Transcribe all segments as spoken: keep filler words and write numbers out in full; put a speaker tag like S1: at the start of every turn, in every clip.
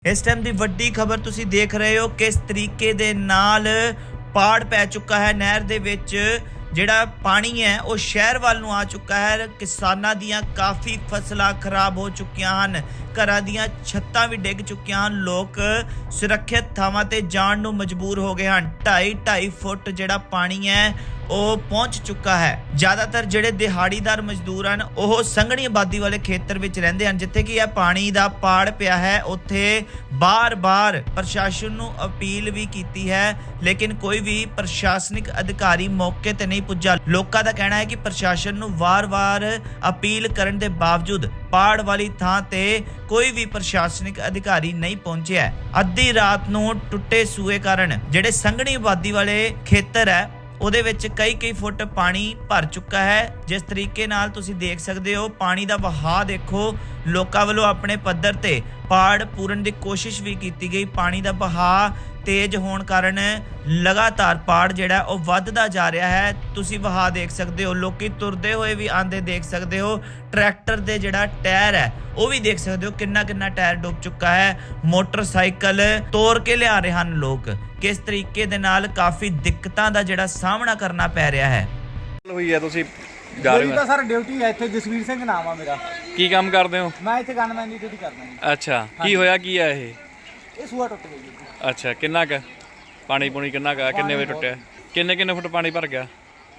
S1: इस टाइम की वड्डी खबर तुसी देख रहे हो किस तरीके दे नाल पाड़ पै चुका है नहर दे विच ਜਿਹੜਾ ਪਾਣੀ ਹੈ ਉਹ ਸ਼ਹਿਰ ਵੱਲ ਨੂੰ ਆ ਚੁੱਕਾ ਹੈ। ਕਿਸਾਨਾਂ ਦੀਆਂ ਕਾਫੀ ਫਸਲਾਂ ਖਰਾਬ ਹੋ ਚੁੱਕੀਆਂ ਹਨ, ਘਰਾਂ ਦੀਆਂ ਛੱਤਾਂ ਵੀ ਡਿੱਗ ਚੁੱਕੀਆਂ ਹਨ, ਲੋਕ ਸੁਰੱਖਿਅਤ ਥਾਵਾਂ ਤੇ ਜਾਣ ਨੂੰ ਮਜਬੂਰ ਹੋ ਗਏ ਹਨ। ਢਾਈ ਢਾਈ ਫੁੱਟ ਜਿਹੜਾ ਪਾਣੀ ਹੈ ਉਹ ਪਹੁੰਚ ਚੁੱਕਾ ਹੈ। ਜ਼ਿਆਦਾਤਰ ਜਿਹੜੇ ਦਿਹਾੜੀਦਾਰ ਮਜ਼ਦੂਰ ਹਨ ਉਹ ਸੰਘਣੀ ਆਬਾਦੀ ਵਾਲੇ ਖੇਤਰ ਵਿੱਚ ਰਹਿੰਦੇ ਹਨ, ਜਿੱਥੇ ਕਿ ਇਹ ਪਾਣੀ ਦਾ ਪਾੜ ਪਿਆ ਹੈ। ਉੱਥੇ ਬਾਰ-ਬਾਰ ਪ੍ਰਸ਼ਾਸਨ ਨੂੰ ਅਪੀਲ ਵੀ ਕੀਤੀ ਹੈ, ਲੇਕਿਨ ਕੋਈ ਵੀ ਪ੍ਰਸ਼ਾਸਨਿਕ ਅਧਿਕਾਰੀ ਮੌਕੇ ਤੇ ਨਹੀਂ ਪੁੱਜਾ। ਲੋਕਾਂ ਦਾ ਕਹਿਣਾ ਹੈ ਕਿ ਪ੍ਰਸ਼ਾਸਨ ਨੂੰ ਵਾਰ-ਵਾਰ ਅਪੀਲ ਕਰਨ ਦੇ ਬਾਵਜੂਦ ਪਾੜ ਵਾਲੀ ਥਾਂ ਤੇ ਕੋਈ ਵੀ ਪ੍ਰਸ਼ਾਸਨਿਕ ਅਧਿਕਾਰੀ ਨਹੀਂ ਪਹੁੰਚਿਆ। ਅੱਧੀ ਰਾਤ ਨੂੰ ਟੁੱਟੇ ਸੂਏ ਕਾਰਨ ਜਿਹੜੇ ਸੰਘਣੀ ਆਬਾਦੀ ਵਾਲੇ ਖੇਤਰ ਹੈ ਉਹਦੇ ਵਿੱਚ ਕਈ ਕਈ ਫੁੱਟ ਪਾਣੀ ਭਰ ਚੁੱਕਾ ਹੈ। ਜਿਸ ਤਰੀਕੇ ਨਾਲ ਤੁਸੀਂ ਦੇਖ ਸਕਦੇ ਹੋ ਪਾਣੀ ਦਾ ਵਹਾਅ ਦੇਖੋ, ਲੋਕਾਂ ਵੱਲੋਂ ਆਪਣੇ ਪੱਧਰ ਤੇ ਪਾੜ ਪੂਰਨ ਦੀ ਕੋਸ਼ਿਸ਼ ਵੀ ਕੀਤੀ ਗਈ। ਪਾਣੀ ਦਾ ਵਹਾਅ ਤੇਜ਼ ਹੋਣ ਕਾਰਨ ਲਗਾਤਾਰ ਪਾੜ ਜਿਹੜਾ ਉਹ ਵੱਧਦਾ ਜਾ ਰਿਹਾ ਹੈ। ਤੁਸੀਂ ਵਹਾਅ ਦੇਖ ਸਕਦੇ ਹੋ, ਲੋਕੀ ਤੁਰਦੇ ਹੋਏ ਵੀ ਆਂਦੇ ਦੇਖ ਸਕਦੇ ਹੋ। ਟਰੈਕਟਰ ਦੇ ਜਿਹੜਾ ਟਾਇਰ ਹੈ ਉਹ ਵੀ ਦੇਖ ਸਕਦੇ ਹੋ ਕਿੰਨਾ ਕਿੰਨਾ ਟਾਇਰ ਡੁੱਬ ਚੁੱਕਾ ਹੈ। ਮੋਟਰਸਾਈਕਲ ਤੋੜ ਕੇ ਲਿਆ ਰਹੇ ਹਨ ਲੋਕ। ਕਿਸ ਤਰੀਕੇ ਦੇ ਨਾਲ ਕਾਫੀ ਦਿੱਕਤਾਂ ਦਾ ਜਿਹੜਾ ਸਾਹਮਣਾ ਕਰਨਾ ਪੈ ਰਿਹਾ ਹੈ।
S2: ਹੋਈ ਹੈ ਤੁਸੀਂ ਜਾ ਰਹੇ ਹੋ?
S3: ਤਾਂ ਸਰ ਡਿਊਟੀ ਹੈ ਇੱਥੇ। ਜਸਵੀਰ ਸਿੰਘ ਨਾਮ ਆ ਮੇਰਾ।
S2: ਕੀ ਕੰਮ ਕਰਦੇ ਹੋ?
S3: ਮੈਂ ਇੱਥੇ ਗਨਮੈਨ ਦੀ ਡਿਊਟੀ ਕਰਦਾ ਜੀ।
S2: ਅੱਛਾ, ਕੀ ਹੋਇਆ ਕੀ ਹੈ ਇਹ?
S3: ਇਹ ਸੂਆ ਟੁੱਟ ਗਈ ਜੀ।
S2: ਅੱਛਾ, ਕਿੰਨਾ ਕੁ ਪਾਣੀ ਪੂਣੀ ਕਿੰਨਾ ਕੁ ਕਿੰਨੇ ਵਜੇ ਟੁੱਟਿਆ? ਕਿੰਨੇ ਕਿੰਨੇ ਫੁੱਟ ਪਾਣੀ ਭਰ ਗਿਆ?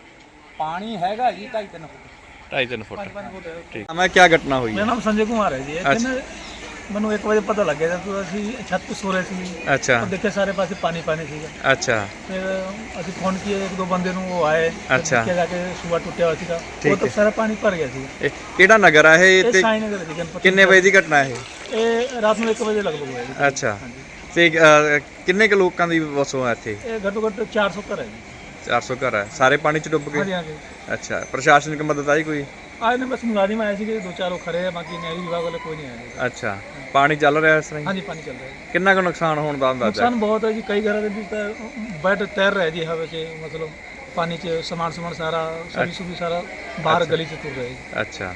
S3: ਪਾਣੀ ਹੈਗਾ ਜੀ ਢਾਈ ਤਿੰਨ ਫੁੱਟ।
S2: ਢਾਈ ਤਿੰਨ ਫੁੱਟ।
S3: ਪੰਜ ਫੁੱਟ।
S2: ਠੀਕ। ਮੈਂ ਕੀ ਘਟਨਾ ਹੋਈ?
S3: ਮੇਰਾ ਨਾਮ ਸੰਜੇ ਕੁਮਾਰ ਹੈ ਜੀ। ਇੱਥੇ ਮੈਨੂੰ ਇੱਕ ਵਜੇ ਪਤਾ ਲੱਗਿਆ ਜਦ ਅਸੀਂ ਛੱਤ ਤੇ ਸੋ ਰਹੇ ਸੀ।
S2: ਅੱਛਾ।
S3: ਦੇਖਿਆ ਸਾਰੇ ਪਾਸੇ ਪਾਣੀ ਪਾਣੀ ਸੀਗਾ।
S2: ਅੱਛਾ।
S3: ਫਿਰ ਅਸੀਂ ਫੋਨ ਕੀਏ, ਇੱਕ ਦੋ ਬੰਦੇ ਨੂੰ, ਉਹ ਆਏ।
S2: ਅੱਛਾ।
S3: ਜਾ ਕੇ ਸੂਆ ਟੁੱਟਿਆ ਹੋਇਆ ਸੀਗਾ, ਉਹ ਤਾਂ ਸਾਰਾ ਪਾਣੀ ਭਰ ਗਿਆ ਸੀ।
S2: ਇਹ ਕਿਹੜਾ ਨਗਰ ਆ ਇਹ?
S3: ਇਹ
S2: ਤੇ
S3: ਸਾਈ ਨਗਰ ਦੀ ਗਣਪਤੀ।
S2: ਕਿੰਨੇ ਵਜੇ ਦੀ ਘਟਨਾ ਇਹ?
S3: ਇਹ ਰਾਤ ਨੂੰ ਇੱਕ ਵਜੇ ਲਗਭਗ ਹੋਇਆ ਜੀ।
S2: ਅੱਛਾ। ਤੇ ਅਹ, ਕਿੰਨੇ ਕੁ ਲੋਕਾਂ ਦੀ ਵਸੋਂ ਹੈ ਇੱਥੇ?
S3: ਇਹ ਘੱਟੋ ਘੱਟ ਚਾਰ ਸੌ ਘਰ ਹੈ ਜੀ।
S2: ਚਾਰ ਸੌ ਘਰ ਹੈ, ਸਾਰੇ ਪਾਣੀ ਚ ਡੁੱਬ
S3: ਹਾਂਜੀ
S2: ਗਏ?
S3: ਹਾਂਜੀ।
S2: ਅੱਛਾ, ਪ੍ਰਸ਼ਾਸਨਿਕ ਮਦਦ ਆਈ ਕੋਈ?
S3: आज ने बस मुलाजिम आए थे, दो चार लोग खड़े हैं, बाकी नहरी विभाग वाले कोई नहीं आए।
S2: ਅੱਛਾ, ਪਾਣੀ ਚੱਲ ਰਿਹਾ ਇਸ ਤਰ੍ਹਾਂ
S3: हाँ
S2: ਹੀ?
S3: जी, पानी चल रहा है।
S2: ਕਿੰਨਾ ਕੁ ਨੁਕਸਾਨ ਹੋਣ ਦਾ ਅੰਦਾਜ਼ਾ?
S3: नुकसान बहुत है जी। कई घर भी बैठ तैर रहे जी हवा से, मतलब पानी से सामान सामान सारा सभी सुबह सारा बाहर गली से तुर रहे जी।
S2: ਅੱਛਾ।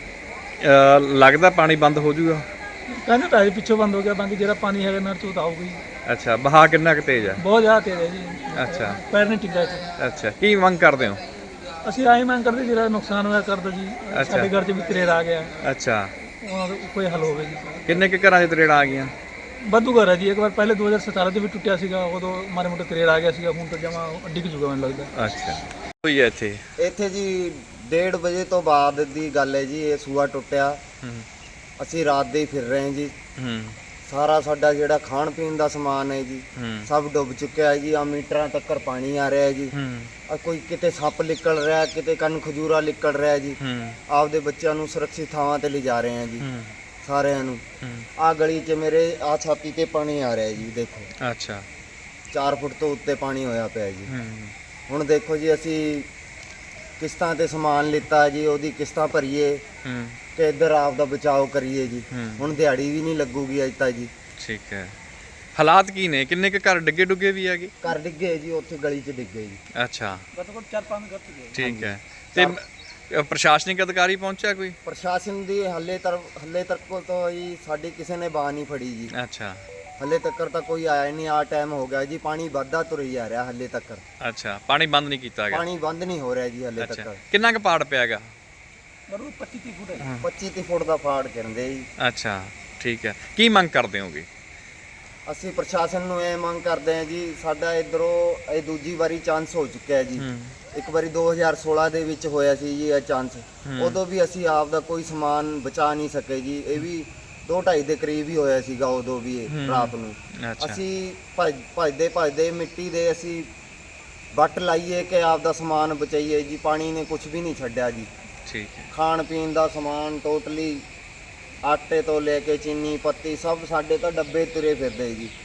S2: ਅਹ, ਲੱਗਦਾ ਪਾਣੀ ਬੰਦ ਹੋ ਜਾਊਗਾ?
S3: कहने तो है पिछो बंद हो गया, बाकी जरा पानी है नहर चो तो आऊगी।
S2: ਅੱਛਾ, ਬਹਾ ਕਿੰਨਾ ਕੁ ਤੇਜ਼ ਹੈ?
S3: बहुत ज़्यादा तेज है जी।
S2: अच्छा।
S3: पैर नहीं टिक रहे।
S2: ਅੱਛਾ, ਕੀ ਮੰਗ ਕਰਦੇ ਹੋ?
S3: ਅਸੀਂ ਆਈ ਮੰਗ ਕਰਦੇ ਜਿਹੜਾ ਨੁਕਸਾਨ ਹੋਇਆ ਕਰ ਦੋ ਜੀ। ਸਾਡੇ ਘਰ 'ਚ ਵੀ ਤਰੇੜ ਆ ਗਿਆ,
S2: ਅੱਛਾ।
S3: ਉਹਨਾਂ ਦਾ ਕੋਈ ਹੱਲ ਹੋਵੇ ਜੀ।
S2: ਕਿੰਨੇ ਕੁ ਘਰਾਂ 'ਚ ਤਰੇੜਾਂ ਆ ਗਈਆਂ?
S3: ਵਾਧੂ ਘਰ ਹੈ ਜੀ। ਇੱਕ ਵਾਰ ਪਹਿਲੇ ਦੋ ਹਜ਼ਾਰ ਸਤਾਰਾਂ 'ਚ ਵੀ ਟੁੱਟਿਆ ਸੀਗਾ, ਉਦੋਂ ਮਾਰੇ ਮੋਟੇ ਤਰੇੜ ਆ ਗਿਆ ਸੀਗਾ। ਹੁਣ ਤਾਂ ਜਮਾ ਡਿੱਗ ਜੂਗਾ ਮੈਨੂੰ ਲੱਗਦਾ।
S2: ਅੱਛਾ। ਹੋਈ ਹੈ ਇੱਥੇ?
S4: ਇੱਥੇ ਜੀ ਡੇਢ ਵਜੇ ਤੋਂ ਬਾਅਦ ਦੀ ਗੱਲ ਹੈ ਜੀ। ਇਹ ਸੂਆ ਟੁੱਟਿਆ।
S2: ਹੂੰ
S4: ਅਸੀਂ ਰਾਤ ਦੇ ਹੀ ਫਿਰ ਰਹੇ ਜੀ।
S2: ਹੂੰ
S4: ਸਾਰਾ ਸਾਡਾ ਜਿਹੜਾ ਖਾਣ ਪੀਣ ਦਾ ਸਮਾਨ ਹੈ ਜੀ
S2: ਹੂੰ
S4: ਸਭ ਡੁੱਬ ਚੁੱਕਿਆ ਹੈ ਜੀ। ਆ ਮੀਟਰਾਂ ਤੱਕ ਪਾਣੀ ਆ ਰਿਹਾ ਹੈ ਜੀ।
S2: ਹੂੰ
S4: ਆ ਕੋਈ ਕਿਤੇ ਸੱਪ ਨਿਕਲ ਰਿਹਾ, ਕਿਤੇ ਕੰਨ ਖਜੂਰਾ ਨਿਕਲ ਰਿਹਾ ਜੀ।
S2: ਹੂੰ
S4: ਆਪਦੇ ਬੱਚਿਆਂ ਨੂੰ ਸੁਰੱਖਿਅਤ ਥਾਵਾਂ ਤੇ ਲਿਜਾ ਰਹੇ ਹਾਂ ਜੀ
S2: ਹੂੰ
S4: ਸਾਰਿਆਂ ਨੂੰ।
S2: ਹੂੰ।
S4: ਆ ਗਲੀ 'ਚ ਮੇਰੇ ਆ ਛਾਤੀ ਤੇ ਪਾਣੀ ਆ ਰਿਹਾ ਜੀ। ਦੇਖੋ
S2: ਅੱਛਾ।
S4: ਚਾਰ ਫੁੱਟ ਤੋਂ ਉੱਤੇ ਪਾਣੀ ਹੋਇਆ ਪਿਆ ਜੀ।
S2: ਹੂੰ
S4: ਹੁਣ ਦੇਖੋ ਜੀ ਅਸੀਂ ਕਿਸ਼ਤਾਂ ਤੇ ਸਮਾਨ ਲਿੱਤਾ ਜੀ, ਉਹਦੀ ਕਿਸ਼ਤਾਂ ਭਰੀਏ
S2: ਹੂੰ
S4: ਤੇ ਇੱਧਰ ਆਪ ਦਾ ਬਚਾਓ ਕਰੀਏ ਜੀ।
S2: ਹੂੰ।
S4: ਹੁਣ ਦਿਹਾੜੀ ਵੀ ਨਹੀਂ ਲੱਗੂਗੀ ਅੱਜ ਤਾਂ ਜੀ।
S2: ਠੀਕ ਹੈ। ਹਾਲਾਤ ਕੀ ਨੇ? ਕਿੰਨੇ ਕੁ ਘਰ ਡਿੱਗੇ ਡੁੱਗੇ ਵੀ ਹੈਗੇ?
S4: ਘਰ ਡਿੱਗੇ ਜੀ, ਉੱਥੇ ਗਲੀ 'ਚ ਡਿੱਗੇ ਜੀ।
S2: ਅੱਛਾ,
S3: ਘੱਟੋ ਘੱਟ ਚਾਰ ਪੰਜ ਘਰ ਸੀਗੇ।
S2: ਠੀਕ ਹੈ। ਤੇ ਅ, ਪ੍ਰਸ਼ਾਸਨਿਕ ਅਧਿਕਾਰੀ ਪਹੁੰਚਿਆ ਕੋਈ?
S4: ਪ੍ਰਸ਼ਾਸਨ ਦੀ ਹੱਲੇ ਤੱਕ ਹੱਲੇ ਤੱਕ ਤੋਂ ਜੀ ਸਾਡੀ ਕਿਸੇ ਨੇ ਬਾਹ ਨਹੀਂ ਫੜੀ ਜੀ।
S2: ਅੱਛਾ।
S4: ਹੱਲੇ ਤੱਕ ਤਾਂ ਕੋਈ ਆਇਆ ਨਹੀਂ। ਆ ਟਾਈਮ ਹੋ ਗਿਆ ਜੀ, ਪਾਣੀ ਵੱਧਦਾ ਤੁਰੀ ਜਾ ਰਿਹਾ ਹੱਲੇ ਤੱਕ।
S2: ਅੱਛਾ, ਪਾਣੀ ਬੰਦ ਨਹੀਂ ਕੀਤਾ ਗਿਆ?
S4: ਪਾਣੀ ਬੰਦ ਨਹੀਂ ਹੋ ਰਿਹਾ ਜੀ ਹੱਲੇ
S2: ਅੱਛਾ,
S4: ਤੱਕ।
S2: ਕਿੰਨਾ ਕੁ ਪਾੜ ਪਿਆ ਹੈਗਾ?
S3: ਬਰੂ ਪੱਚੀ ਤੀਹ ਫੁੱਟ ਹੈ।
S4: ਪੱਚੀ ਤੀਹ ਫੁੱਟ ਦਾ ਫਾੜ ਕਹਿੰਦੇ ਜੀ।
S2: ਅੱਛਾ, ਠੀਕ ਹੈ। ਕੀ ਮੰਗ ਕਰਦੇ ਹੋਗੇ?
S4: ਅਸੀਂ ਪ੍ਰਸ਼ਾਸਨ ਨੂੰ ਇਹ ਮੰਗ ਕਰਦੇ ਹਾਂ ਜੀ, ਸਾਡਾ ਇਧਰੋਂ ਇਹ ਦੂਜੀ ਵਾਰੀ ਚਾਂਸ ਹੋ ਚੁੱਕਿਆ ਹੈ ਜੀ।
S2: ਹੂੰ
S4: ਇੱਕ ਵਾਰੀ ਦੋ ਹਜ਼ਾਰ ਸੋਲਾਂ ਦੇ ਵਿੱਚ ਹੋਇਆ ਸੀ ਜੀ ਇਹ ਚਾਂਸ। ਉਦੋਂ ਵੀ ਅਸੀਂ ਆਪ ਦਾ ਕੋਈ ਸਮਾਨ ਬਚਾ ਨਹੀਂ ਸਕੇ ਜੀ। ਇਹ ਵੀ ਦੋ ਢਾਈ ਦੇ ਕਰੀਬ ਹੀ ਹੋਇਆ ਸੀਗਾ ਉਦੋਂ ਵੀ ਇਹ ਰਾਤ ਨੂੰ।
S2: ਅੱਛਾ।
S4: ਅਸੀਂ ਭੱਜ ਭੱਜਦੇ ਭੱਜਦੇ ਮਿੱਟੀ ਦੇ ਅਸੀਂ ਵੱਟ ਲਾਈਏ ਕਿ ਆਪ ਦਾ ਸਮਾਨ ਬਚਾਈਏ ਜੀ। ਪਾਣੀ ਨੇ ਕੁਝ ਵੀ ਨਹੀਂ ਛੱਡਿਆ ਜੀ।
S2: ਠੀਕ ਹੈ।
S4: ਖਾਣ ਪੀਣ ਦਾ ਸਮਾਨ ਟੋਟਲੀ ਆਟੇ ਤੋਂ ਲੈ ਕੇ ਚੀਨੀ ਪੱਤੀ ਸਭ ਸਾਡੇ ਤਾਂ ਡੱਬੇ ਤੁਰੇ ਫਿਰਦੇ ਜੀ।